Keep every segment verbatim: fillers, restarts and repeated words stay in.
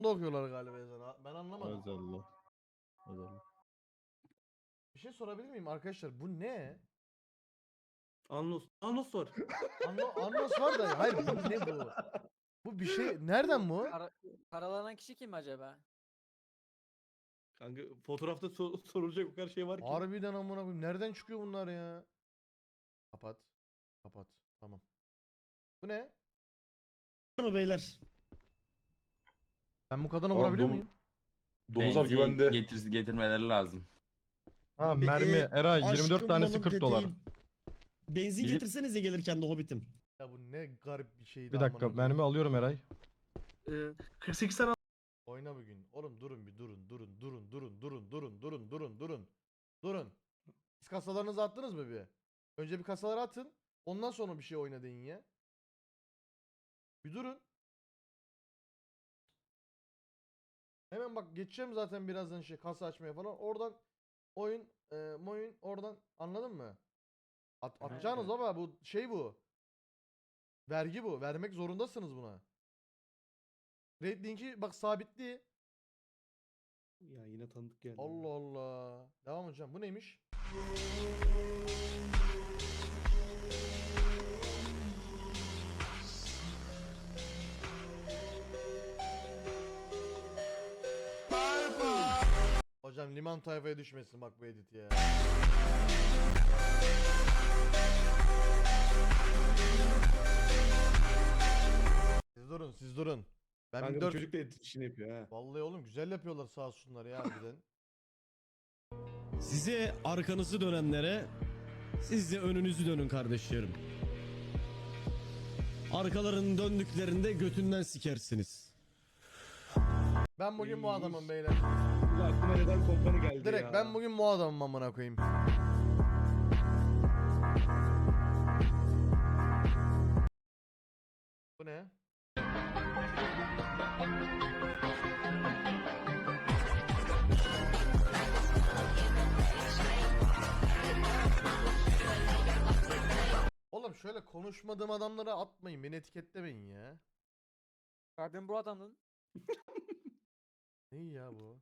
okuyorlar galiba ezanı. Ben anlamadım. Maazallah. Maazallah. Bir şey sorabilir miyim arkadaşlar? Bu ne? Anlos. Anlos var. Anno, Annos var da hayır bu ne bu? Bu bir şey nereden bu? Para, paralanan kişi kim acaba? Kanka fotoğrafta so- sorulacak o kadar şey var ki. Harbiden amına koyayım. Nereden çıkıyor bunlar ya? Kapat. Kapat. Tamam. Bu ne? mı beyler? Ben bu kadına Aa, vurabiliyor dom- muyum? Domuzlar Benzin güvende. getir, getirmeleri lazım. Ha Abi, mermi e, Eray yirmi dört aşkım tanesi balım kırk dolar. peteğim. Benzin Bilip- getirsenize gelirken de Hobbit'im. Ya bu ne garip bir şeydi Bir dakika amına koyayım. mermi alıyorum Eray. Ee, kırk sekiz tane Oyna bugün. Oğlum durun bir durun durun durun durun durun durun durun durun durun. Durun. Siz kasalarınızı attınız mı bir? Önce bir kasaları atın. Ondan sonra bir şey oyna deyin ya. Bir durun. Hemen bak geçeceğim zaten birazdan şey kasa açmaya falan. Oradan oyun e, moyun oradan anladın mı? At, atacağınız ama bu şey bu. Vergi bu. Vermek zorundasınız buna. Raid linki bak sabitli. Ya yine tanıdık geldi. Allah Allah. Devam hocam. Bu neymiş? Hocam liman tayfaya düşmesin bak bu edit ya. Siz durun, siz durun. Ben Kanka bir bu dört... çocuk da et işini yapıyor ha. Vallahi oğlum güzel yapıyorlar sağ olsunlar ya harbiden. Size arkanızı dönenlere siz de önünüzü dönün kardeşlerim. Arkalarının döndüklerinde götünden sikersiniz. Ben bugün bu adamım beyler. Bu aklıma neden kompani geldi Direkt ya. ben bugün bu adamım amına koyayım. Bu ne? Oğlum şöyle konuşmadığım adamlara atmayın, beni etiketlemeyin ya. Ben bu adamın Ne ya bu?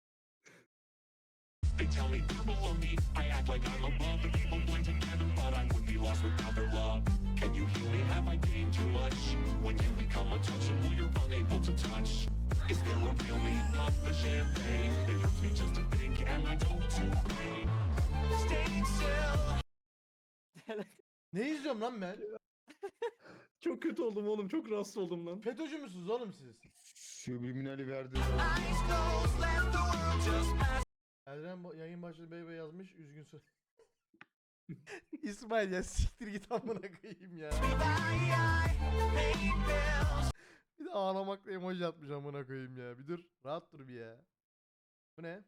Ne izliyorum lan ben? Çok kötü oldum oğlum. Çok rahatsız oldum lan. FETÖ'cü müsünüz oğlum siz? Subliminali verdi. Erdem ba- yayın başladı bey bey yazmış üzgün söyle. İsmail ya siktir git amına koyayım ya. Bir de ağlamakla emoji atmış amına koyayım ya. Bir dur rahat dur bir ya. Bu ne?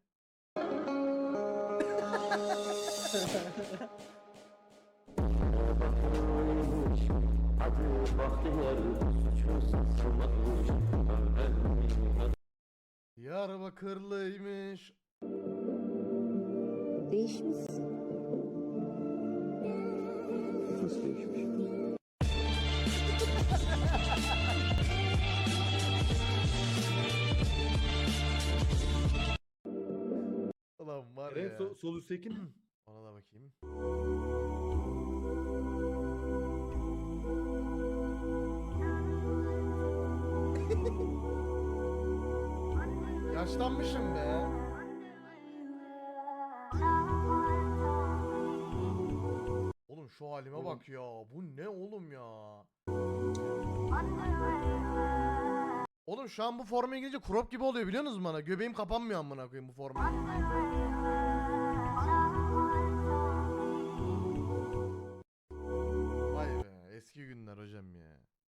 Diyarbakırlıymış. Değişmişsin. Nasıl değişmiş? Ulan var Evet, ya. sol, sol üstteki. Ona da bakayım. Yaşlanmışım be. Oğlum şu halime bak ya. Bu ne oğlum ya? Oğlum şu an bu forma girince crop gibi oluyor biliyor musunuz bana? Göbeğim kapanmıyor amına koyayım bu forma. Vay be eski günler hocam ya.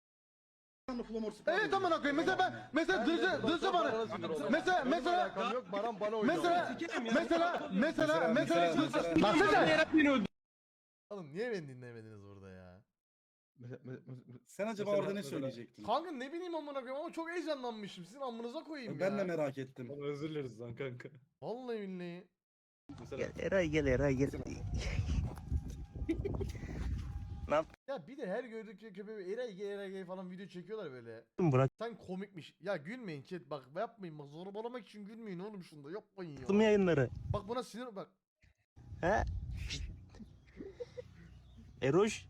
Evet amına koyayım mesela ben mesela dırca dırca bana mesela mesela Baran bana mesela mesela mesela mesela lan sen oğlum niye beni dinlemediniz burada ya? Sen acaba Mesela- orada ne mesela- söyleyecektin? Kanka ne bileyim amına koyayım ama çok heyecanlanmışım. Sizin amınıza koyayım Ben ya. de merak ettim. Ama özür dileriz lan kanka. Vallahi billahi. Mesela Eray gel Eray gel. Ya Ya bir de her gördükleri köpeği eray gay eray gay falan video çekiyorlar böyle. Bırak. Sen komikmiş. Ya gülmeyin chat bak yapmayın bak zorbalamak için gülmeyin oğlum şunda yapmayın Yaptım ya. yayınları. Bak buna sinir bak. He? Eroş.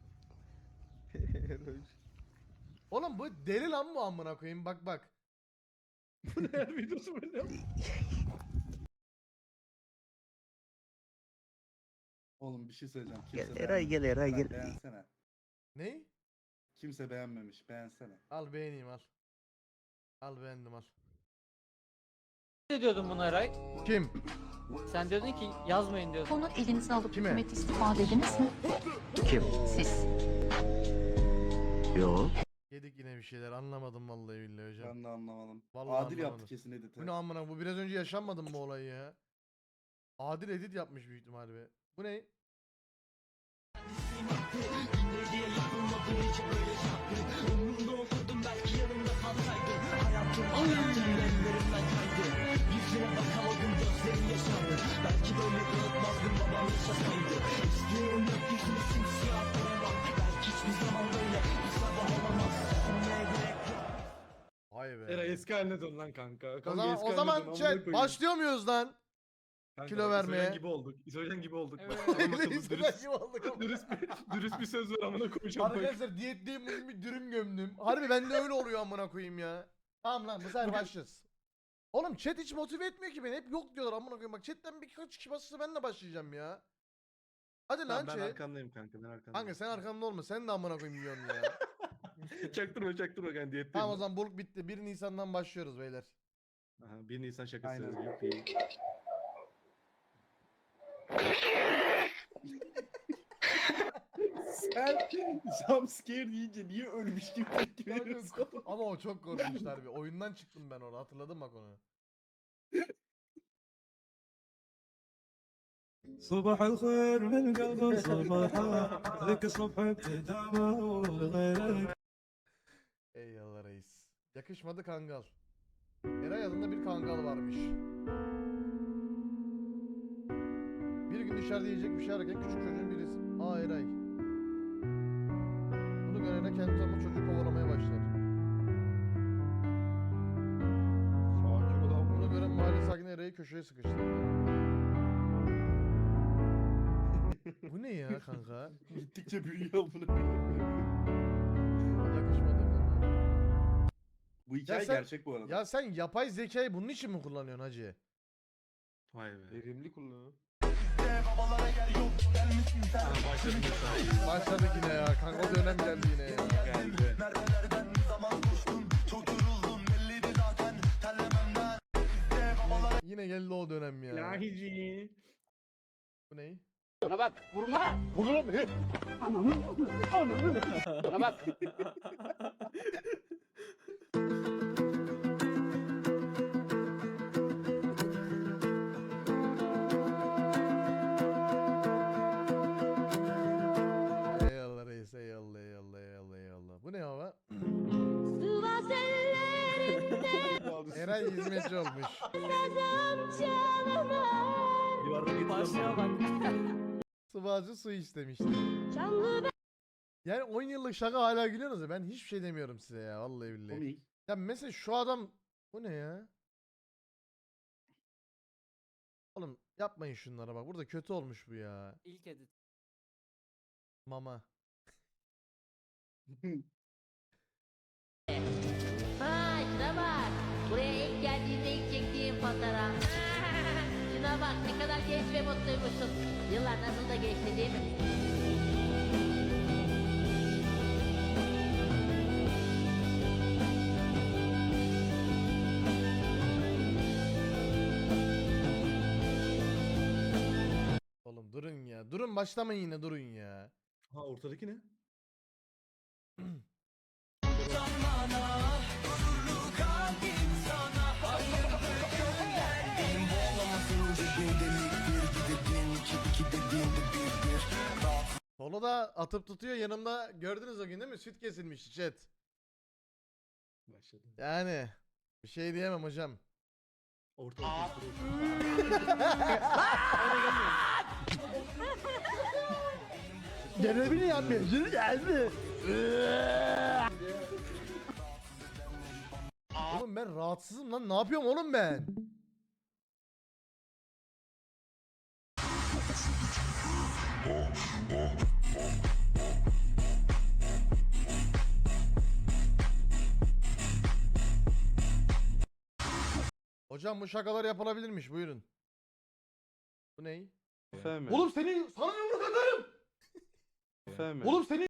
Oğlum bu deli lan bu amına koyayım bak bak. Her videosu böyle. Oğlum bir şey söyleyeceğim. Gel Kimse Eray gel Eray beğenmemiş. gel. Beğensene. Ney? Kimse beğenmemiş. Beğensene. Al beğeneyim al. Al beğendim al. Ne diyordun buna Eray? Kim? Sen diyordun ki yazmayın diyordun. Onu elinize alıp Kime? hükümet istifa dediniz mi? Kim? Siz. Yo. Yedik yine bir şeyler anlamadım vallahi billahi hocam. Ben de anlamadım. Vallahi Adil anlamadım. yaptı kesin editi. Bu ne amına bu biraz önce yaşanmadı mı bu olayı ya? Adil edit yapmış büyük ihtimalle be. Bu ne? Vay be. Eray eski haline dön lan kanka. O Kanka zaman, eski o haline zaman dön, amına chat koyayım. başlıyor muyuz lan? Kanka, kilo bak, vermeye. İsojen gibi olduk. İsojen gibi olduk. Evet. Bak, adam akıllı, Neyse, ben dürüst, gibi olduk ama. dürüst, bir, dürüst bir söz ver amına koyacağım. bak. Arkadaşlar diyetteyim bugün bir dürüm gömdüm. Harbi bende öyle oluyor amına koyayım ya. Tamam lan bu sefer başlarız. Oğlum chat hiç motive etmiyor ki beni. Hep yok diyorlar amına koyayım. Bak chatten birkaç kişi basırsa ben de başlayacağım ya. Hadi lan Tamam, ben chat. arkandayım kanka ben arkandayım. Kanka sen arkamda olma. Sen de amına koyayım yiyorsun ya. Çaktırma çaktırma kanka diyetteyim. Tamam o ben. zaman bulk bitti. bir Nisan'dan başlıyoruz beyler. Aha, bir Nisan şakası. Aynen. Yuppie. Sen jumpscare deyince niye ölmüş gibi tepki veriyorsun? Ama o çok korkmuşlar bir. Oyundan çıktım ben orada. Hatırladım bak onu. صباح الخير من قلب صباحا ذيك الصبح ابتدامه وغيرك. Eyvallah reis. Yakışmadı kangal. Eray adında bir kangal varmış. Bir gün dışarıda yiyecek bir şey ararken küçük çocuğun birisi. Aa Eray. Bunu görene kendi tanıma çocuğu kovalamaya başlar. Sakin ol Bunu abi. gören mahalle sakini Eray'ı köşeye sıkıştırdı. Bu ne ya kanka? Gittikçe büyüyor bunu. Yakışmadı kanka. Bu hikaye sen- gerçek bu arada. Ya sen yapay zekayı bunun için mi kullanıyorsun hacı? Vay be. Verimli kullanıyor. Aha, başladım mesela. Başladık yine ya. Kanka o dönem geldi yine ya. Geldi. Yine geldi o dönem ya. Lahici. Bu ne? Bana bak vurma. Vurma beni. Bana bak. Eyvallah reis eyvallah eyvallah eyvallah eyvallah. Bu ne hava? Eray hizmetçi olmuş. Yuvarda getir. Başlığa bak. Sıvacı su istemişti. Yani on yıllık şaka hala gülüyorsunuz ya ben hiçbir şey demiyorum size ya vallahi billahi. Komik. Ya mesela şu adam bu ne ya? Oğlum yapmayın şunlara bak burada kötü olmuş bu ya. İlk edit. Mama. Ha şuna bak. Buraya ilk geldiğinde ilk çektiğim fotoğraf. Şuna bak ne kadar genç ve mutluymuşsun. Yıllar nasıl da geçti değil mi? Oğlum durun ya. Durun başlamayın yine durun ya. Ha ortadaki ne? Solo da atıp tutuyor yanımda gördünüz o gün değil mi? Süt kesilmişti chat. Başladı. Yani bir şey diyemem hocam. Ortalık. Görevini yapmıyorsun geldi. Oğlum ben rahatsızım lan. Ne yapıyorum oğlum ben? Hocam bu şakalar yapılabilirmiş. Buyurun. Bu ney? Efendim. Oğlum seni sana yumruk atarım. Efendim. Oğlum seni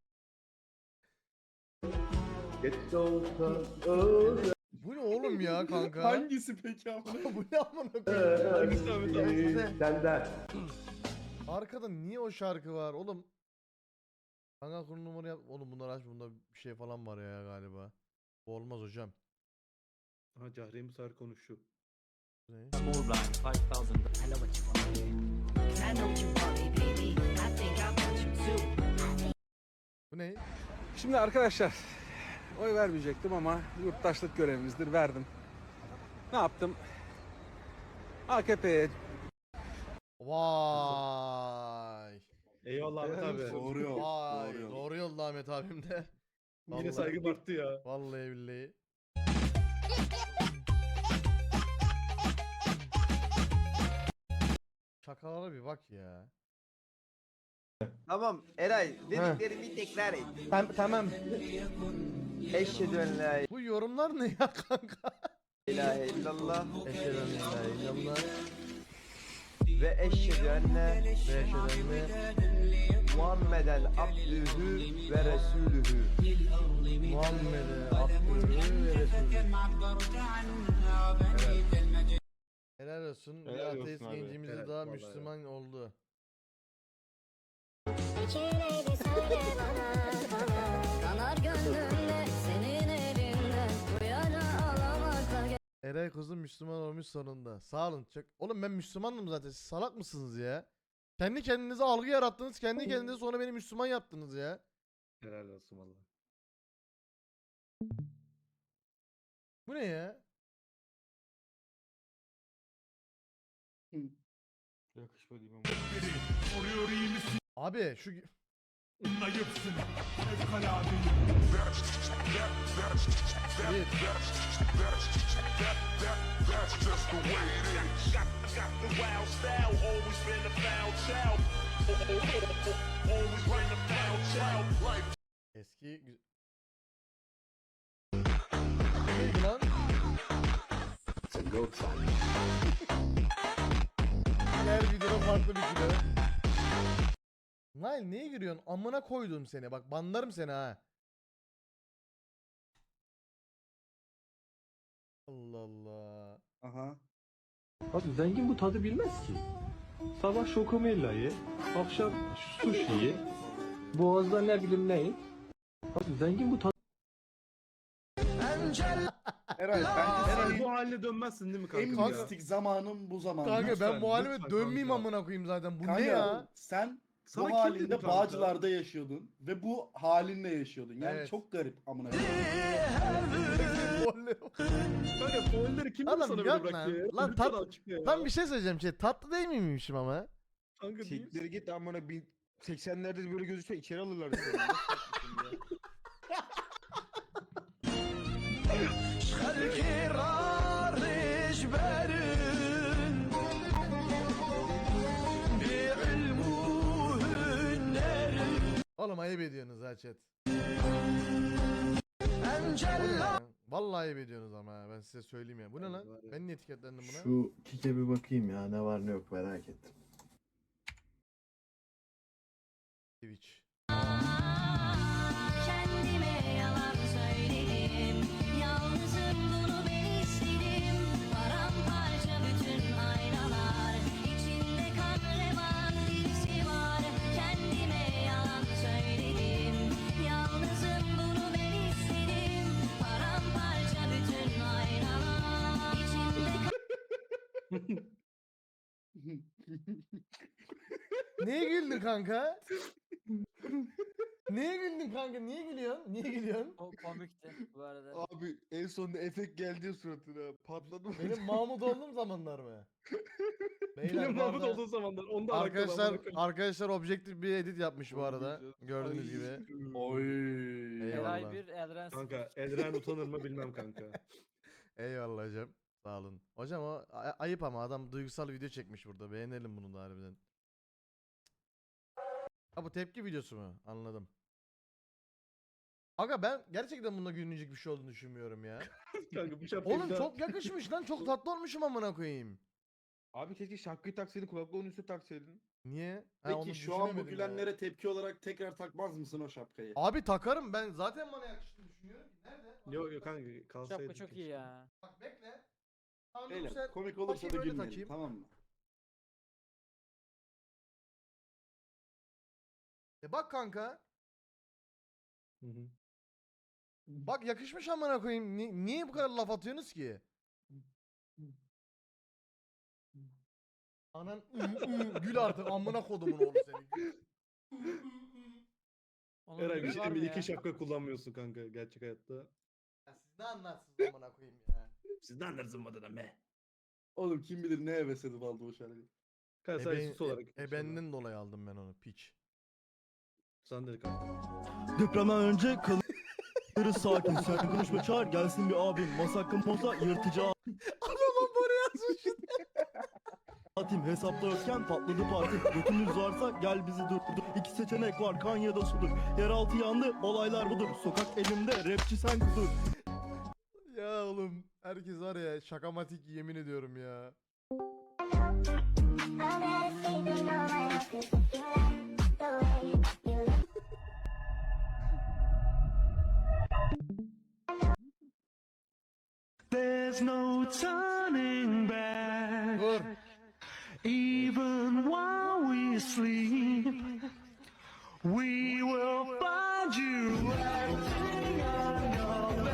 Geç olsa öyle. bu ne oğlum ya kanka? Hangisi peki amına? Bu ne amına koyayım? Hangisi Ahmet abi? Senden. Arkada niye o şarkı var oğlum? Kanka konu numara yap. Oğlum bunlar aç bunda bir şey falan var ya galiba. Bu olmaz hocam. Ha Cahre'ye Musar konuşuyor. Bu ne? Bu ne? Şimdi arkadaşlar oy vermeyecektim ama yurttaşlık görevimizdir, verdim. Ne yaptım? A K P'ye Vay. Eyvallah Ahmet abi. Doğru yol. Vay. Doğru yol. Doğru yolda Ahmet abim de. Yine Vallahi- saygım arttı ya. Vallahi billahi. Şakalara bir bak ya. Tamam Eray dediklerimi tekrar et. Tamam. Eşhedü en la Bu yorumlar ne ya kanka? ilahe illallah Eşhedü en la ilahe illallah ve eşhedü enne ve eşhedü enne Muhammeden abdühü ve resulühü. Muhammed'e abdülü ve resulü. Helal olsun. Bir Helal olsun ateist abi. gencimiz de Helal, daha vallahi Müslüman oldu. Eray kızım Müslüman olmuş sonunda. Sağ olun. Çok... Oğlum ben Müslümanım zaten. Siz salak mısınız ya? Kendi kendinize algı yarattınız. Kendi kendinize sonra beni Müslüman yaptınız ya. Helal olsun valla. Bu ne ya? Yakışmadı imam. Abi şu... Bir. Eski... gü- Neydi lan? Her videoda farklı bir kilo. Nail neye giriyorsun? Amına koydum seni. Bak banlarım seni ha. Allah Allah. Aha. Abi zengin bu tadı bilmez ki. Sabah şokomella ye, akşam sushi ye, boğazda ne bileyim ne ye. Abi zengin bu tadı... Eray bence Eray senin bu haline dönmezsin değil mi en kanka? mistik zamanın bu zaman. Kanka lütfen, ben bu halime lütfen dönmeyeyim kanka. amına koyayım zaten. Bu Kanka, ne ya? Sen Sana bu kim halinde dedi kanka? Bağcılar'da yaşıyordun ve bu halinle yaşıyordun. Yani Evet. çok garip amına koyayım. Kanka foilleri kim dedi Adam sana böyle yok bıraktı lan. ya? Lan Lütfen tat- açıkla ya. Lan bir şey söyleyeceğim şey. Tatlı değil miymişim ama? Kanka değil. Siktir git amına bin seksenlerde böyle gözükse içeri alırlar seni. Nasıl yapıyorsun ya? Oğlum ayıp ediyorsunuz ha chat. Bu ne ya? Vallahi ayıp ediyorsunuz ama ha, ben size söyleyeyim ya. Bu ne lan? Ben niye etiketlendim buna? Şu kike bir bakayım ya ne var ne yok merak ettim. Twitch. Kendime yalan söyledim. Yalnızım bunu ben istedim. Paramparça bütün aynalar. İçinde kan revan birisi var. Kendime yalan söyledim. Yalnızım bunu ben istedim. Paramparça bütün aynalar. İçinde Neye güldün kanka? Niye güldün kanka? Niye gülüyorsun? Niye gülüyorsun? O komikti bu arada. Abi en sonunda efekt geldi ya suratına. Patladı mı? Benim Mahmut olduğum zamanlar mı? Beyler Benim bu Mahmut arada- olduğu zamanlar. Onda alakalı Arkadaşlar amına koyayım. arkadaşlar objektif bir edit yapmış bu arada. Gördüğünüz Ay. gibi. Oy. Eyvallah. Eray bir, Elren sıfır. Kanka Elren utanır mı bilmem kanka. Eyvallah hocam. Sağ olun. Hocam o a- ayıp ama adam duygusal video çekmiş burada. Beğenelim bunu da harbiden. Ha bu tepki videosu mu? Anladım. Aga ben gerçekten bunda gülünecek bir şey olduğunu düşünmüyorum ya. Kanka bu şapkayı Oğlum bir daha- çok yakışmış lan. Çok tatlı olmuşum amına koyayım. Abi keşke şapkayı taksaydın, kulaklığın üstüne taksaydın. Niye? Ha, onu Peki şu an bu düşünemedim ya. gülenlere tepki olarak tekrar takmaz mısın o şapkayı? Abi takarım ben. Zaten bana yakıştığını düşünüyorum ki. Nerede? Bak, Yok bak, yok bak. kanka kalsaydı. Şapka çok iyi keşke. ya. Bak bekle. Tamam, dur Beyler sen- komik olursa bakayım da öyle gülmeyelim, takayım. tamam mı? E bak kanka. Hı hı. Bak yakışmış amına koyayım. Ni- niye bu kadar laf atıyorsunuz ki? Anan ı, ı, gül artık amına kodumun oğlu seni. Onun Eray gibi bir şey var mı diyeyim mi? ya? İki şapka kullanmıyorsun kanka gerçek hayatta. Ya siz ne anlarsınız amına koyayım ya. Siz ne anlarsın badana be? Oğlum kim bilir ne heves edip aldı o şarkıyı. Kanka sadece Eben, sus olarak. e, ebenden dolayı aldım ben onu piç. Sen de kanka. Depremden önce kalırız sakin. Sen konuşma çağır gelsin bir abim. Masakın mosa yırtıcı Adamım buraya yazmış. atayım. Hesapta yokken patladı parti. Götünüz varsa gel bizi durdur. İki seçenek var kan ya da sudur. Yeraltı yandı olaylar budur. Sokak elimde rapçi sen kudur. Ya oğlum herkes var ya şakamatik yemin ediyorum ya. There's no turning back. Dur. Even while we sleep, we will find you acting on your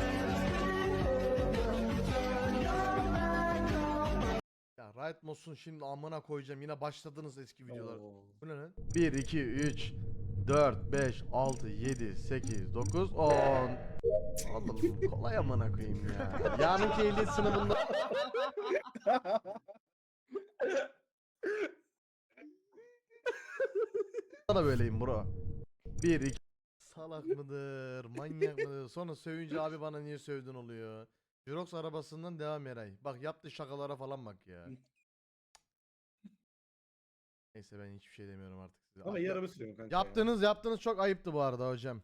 Ya Riot Mods'un şimdi amına koyacağım. Yine başladınız eski videolar. Oo. Bu ne lan? bir, iki, üç, dört, beş, altı, yedi, sekiz, dokuz, on. Oğlum kolay amına koyayım ya. Yarınki ehliyet sınavında. da böyleyim bro. bir, iki. Salak mıdır? Manyak mıdır? Sonra sövünce abi bana niye sövdün oluyor. Jirox arabasından devam Eray. Bak yaptığı şakalara falan bak ya. Neyse ben hiçbir şey demiyorum artık size. Ama iyi araba sürüyorum kanka. ya. Yaptığınız yaptığınız çok ayıptı bu arada hocam.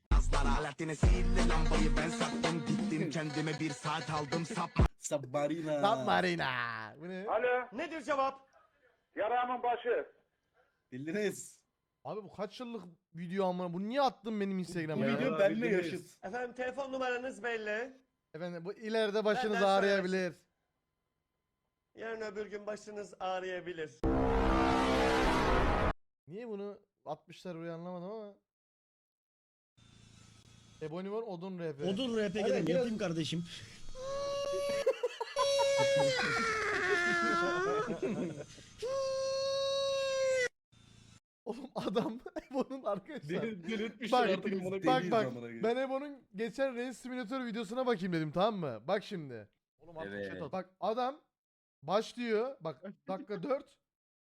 Sabbarina. Lan Marina. Bu ne? Alo. Nedir cevap? Yaramın başı. Bildiniz. Abi bu kaç yıllık video amına? Bu niye attın benim Bu Instagram'a ya? video Ya, benimle bildiniz. yaşıt. Efendim telefon numaranız belli. Efendim bu ileride başınız Benden ağrıyabilir. Yarın öbür gün başınız ağrıyabilir. Niye bunu atmışlar buraya anlamadım ama. Ebony var Odun R P. Odun R P gidelim yapayım kardeşim. Oğlum adam Ebon'un arkadaşlar. Deli- Delirtmişler Bak, artık amına Bak koyayım. bak amına koyayım. ben Ebon'un geçen Race Simulator videosuna bakayım dedim tamam mı? Bak şimdi. Oğlum artık Evet. chat at. Bak adam başlıyor. Bak dakika dört.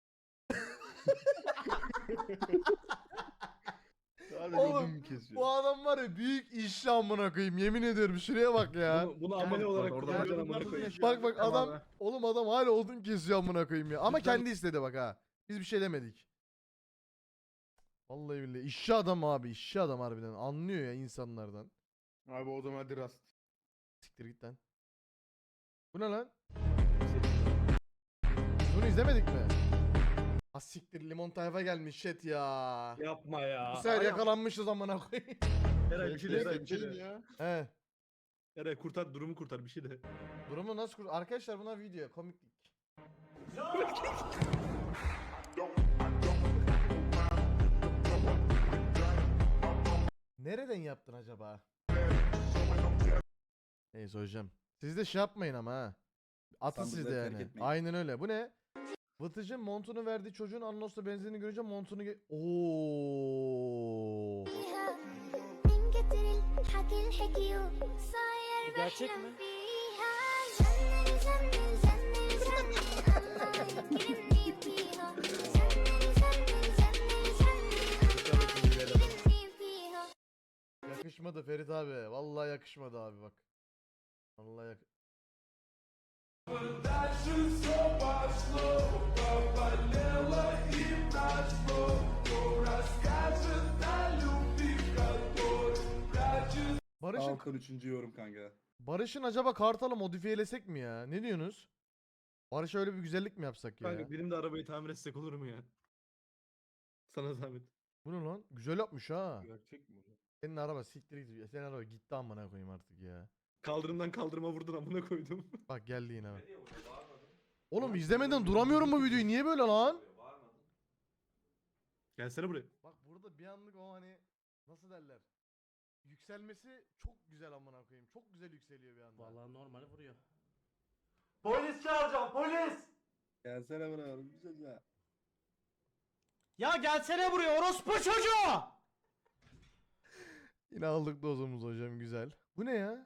Sadece Oğlum, odun kesiyor. Bu adam var ya büyük işçi amına koyayım yemin ediyorum şuraya bak ya. Bunu, bunu amele olarak kullanacaksın amına koyayım. Bak bak adam oğlum adam hala odun kesiyor amına koyayım ya. Ama kendi istedi bak ha. Biz bir şey demedik. Vallahi billahi işçi adam abi işçi adam harbiden anlıyor ya insanlardan. Abi o zaman hadi rast. Siktir git lan. Bu ne lan? Bunu izlemedik mi? Ha siktir limon tayfa gelmiş chat ya. Yapma ya. Bu sefer yakalanmışız amına koyayım. Eray bir şey de Eray bir şey Geçelim de. ya. He. Eray kurtar durumu kurtar bir şey de. Durumu nasıl kur... Arkadaşlar bunlar video komiklik. Nereden yaptın acaba? Neyse hocam. Siz de şey yapmayın ama ha. Atın siz de Sandıkları terk yani. etmeyin. Aynen öyle. Bu ne? Vıtıcı montunu verdiği çocuğun Annos'ta benzinini görünce montunu ge- Oo. Bu gerçek mi? Yakışmadı Ferit abi. Vallahi yakışmadı abi bak. Vallahi yak Barış'ın Halkan üçüncü yorum kanka. Barış'ın acaba Kartal'ı modifiyelesek mi ya? Ne diyorsunuz? Barış'a öyle bir güzellik mi yapsak ya? Kanka benim de arabayı tamir etsek olur mu ya? Sana zahmet. Bu ne lan? Güzel yapmış ha. Gerçek mi bu? Senin araba siktir git. Senin araba gitti amına koyayım artık ya. Kaldırımdan kaldırıma vurdun amına koydum. Bak geldi yine bak. Oğlum izlemeden duramıyorum bu videoyu. Niye böyle lan? Gelsene buraya. Bak burada bir anlık o hani nasıl derler? Yükselmesi çok güzel amına koyayım. Çok güzel yükseliyor bir anda. Vallahi normali vuruyor. Polis çağıracağım polis. Gelsene bana oğlum bir şey ya. Ya gelsene buraya orospu çocuğu. Yine aldık dozumuzu hocam güzel. Bu ne ya?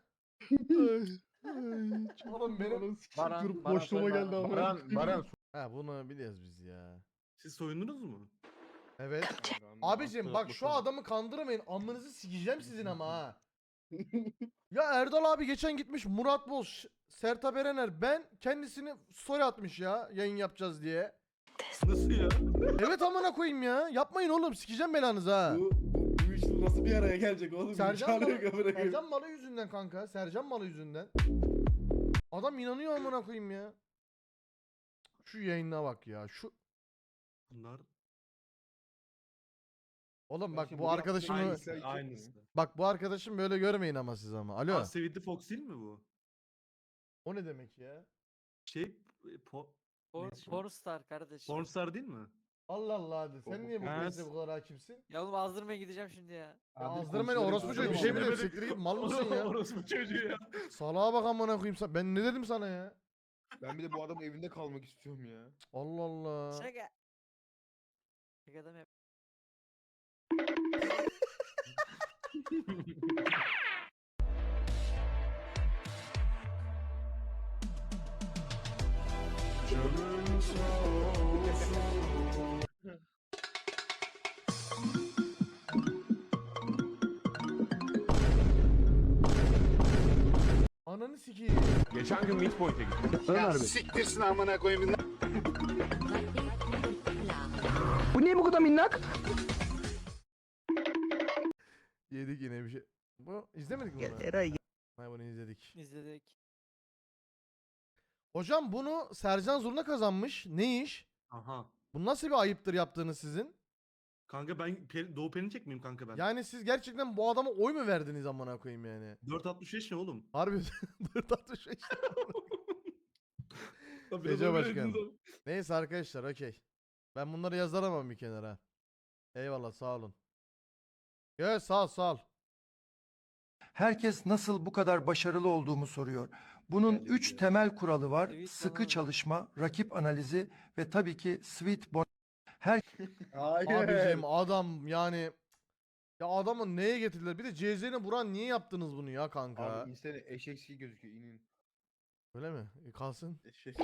Oğlum benim Baran, Durup Baran boşluğuma soy geldi ama. Baran Baran. ha bunu biliyoruz biz ya. Siz soyundunuz mu? Evet. Abicim bak şu adamı kandırmayın. Amınızı sikeceğim sizin ama ha. Ya Erdal abi geçen gitmiş Murat Boz, Ş- Sertab Erener ben kendisini story atmış ya yayın yapacağız diye. Nasıl ya? Evet amına koyayım ya. Yapmayın oğlum sikeceğim belanızı ha. Bu, bu, bu işin nasıl bir araya gelecek oğlum? Sercan İmkanı Malı, yok amına koyayım. Sercan Malı yüzünden kanka. Sercan Malı yüzünden. Adam inanıyor amına koyayım ya. Şu yayına bak ya. Şu Bunlar oğlum bak şimdi bu bu arkadaşımı yaptığın aynısı. Aynısı. bak bu arkadaşım böyle görmeyin ama siz ama. Alo. Aa, Sevidli Fox değil mi bu? O ne demek ya? Şey e, po Por, neyse. Pornstar kardeşim. Pornstar değil mi? Allah Allah hadi. Sen niye bu Ha, krizde bu kadar hakimsin? Ya oğlum azdırmaya gideceğim şimdi ya. Ya Abi azdırma ne komşuları orospu çocuğu bir şey mi konuşuyor. dedim siktir git mal mısın ya? Orospu çocuğu ya. Salağa bak amına koyayım sen. Ben ne dedim sana ya? Ben bir de bu adamın evinde kalmak istiyorum ya. Allah Allah. Şaka. Şaka da mı yap? Ananı sikeyim. Geçen gün Midpoint'e gittim. Ömer Bey. Siktirsin amına koyayım. Bu niye bu kadar minnak? Yedik yine bir şey. Bu izlemedik mi bunu? Eray. Hayır bunu izledik. İzledik. Hocam bunu Sercan Zurna kazanmış. Ne iş? Aha. Bu nasıl bir ayıptır yaptığınız sizin? Kanka ben Peri, Doğu Perinçek miyim kanka ben? Yani siz gerçekten bu adama oy mu verdiniz amına koyayım yani? dört altmış beş ne oğlum? Harbi dört altmış beş. Lan biraz Gece öyle başkanı. dediniz ama. Neyse arkadaşlar okey. Ben bunları yazarım bir kenara. Eyvallah sağ olun. Evet sağ ol sağ ol. Herkes nasıl bu kadar başarılı olduğumu soruyor. Bunun üç temel kuralı var. Evet, Sıkı tamam. çalışma, rakip analizi ve tabii ki sweet bon. Her Hayır. Abicim adam yani ya adamı neye getirdiler? Bir de C Z'ne vuran niye yaptınız bunu ya kanka? Abi insene eşeksi gözüküyor inin. Öyle mi? E, kalsın. Eşek.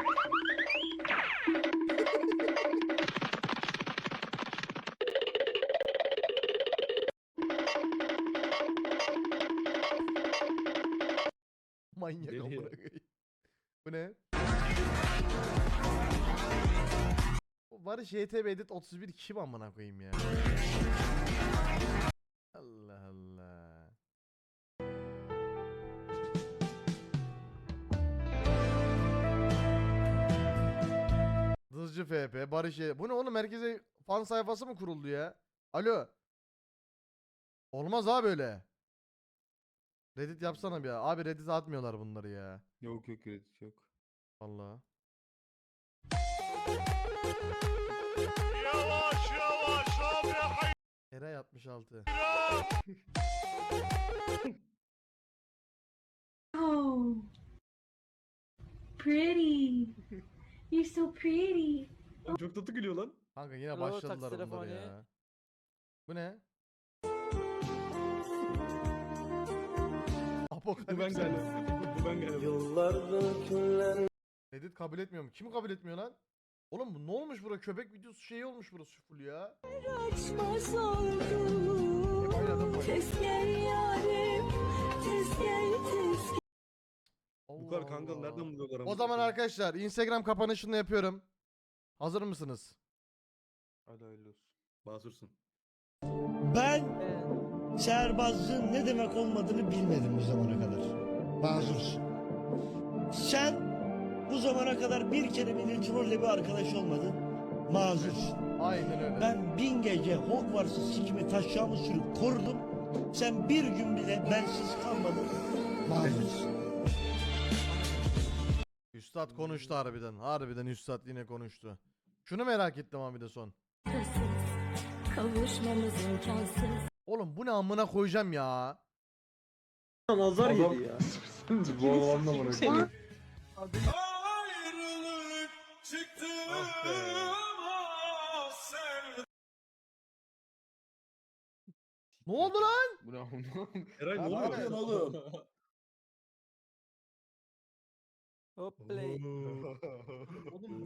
Manyak Deli ya. amına koyayım. Bu ne? Bu Barış J T B Edit otuz bir kim amına koyayım ya? Allah Allah. Dızcı F P, Barış J- Bu ne oğlum herkese fan sayfası mı kuruldu ya? Alo. Olmaz abi böyle. Reddit yapsana bir ya. Abi Reddit atmıyorlar bunları ya. Yok yok Reddit yok. Vallahi. Eray altmış altı. Oh, pretty. You're so pretty. Lan çok tatlı gülüyor lan. Kanka yine Alo, başladılar taksi bunlar telefonu. ya. Bu ne? Bu ben Apokalips. galiba. Bu ben galiba. Reddit kabul etmiyor mu? Kim kabul etmiyor lan? Oğlum bu ne olmuş bura? Köpek videosu şeyi olmuş burası full ya. Oynadım Bu kadar kanka nereden buluyorlar? O zaman arkadaşlar Instagram kapanışını yapıyorum. Hazır mısınız? Hadi hayırlı olsun. Basursun. Ben şehrbazlığın ne demek olmadığını bilmedim bu zamana kadar. Mazursun. Sen bu zamana kadar bir kere bile trolle bir arkadaş olmadın. Mazursun. Aynen öyle. Ben bin gece Hogwarts'ı sikimi taşacağımı sürüp korudum. Sen bir gün bile bensiz kalmadın. Mazursun. Üstad konuştu harbiden. Harbiden Üstad yine konuştu. Şunu merak ettim abi de son. Kavuşmamız imkansız. Oğlum bu ne amına koyacağım ya. Nazar Adam- yedi ya. Bu olanla bırakıyor. Ne oldu lan? Bu ne oğlum? Ne Eray ne oluyor? yapıyorsun oğlum? Hoplay. Oğlum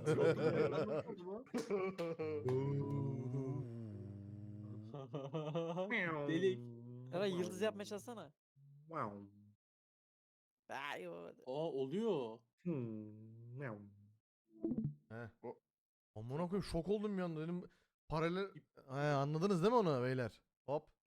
Delik. Eray yıldız yapmaya çalışsana. Wow. Ay o. Aa oluyor. Hmm, meow. He. Amına koyayım şok oldum bir anda dedim. Paralel He, anladınız değil mi onu beyler? Hop.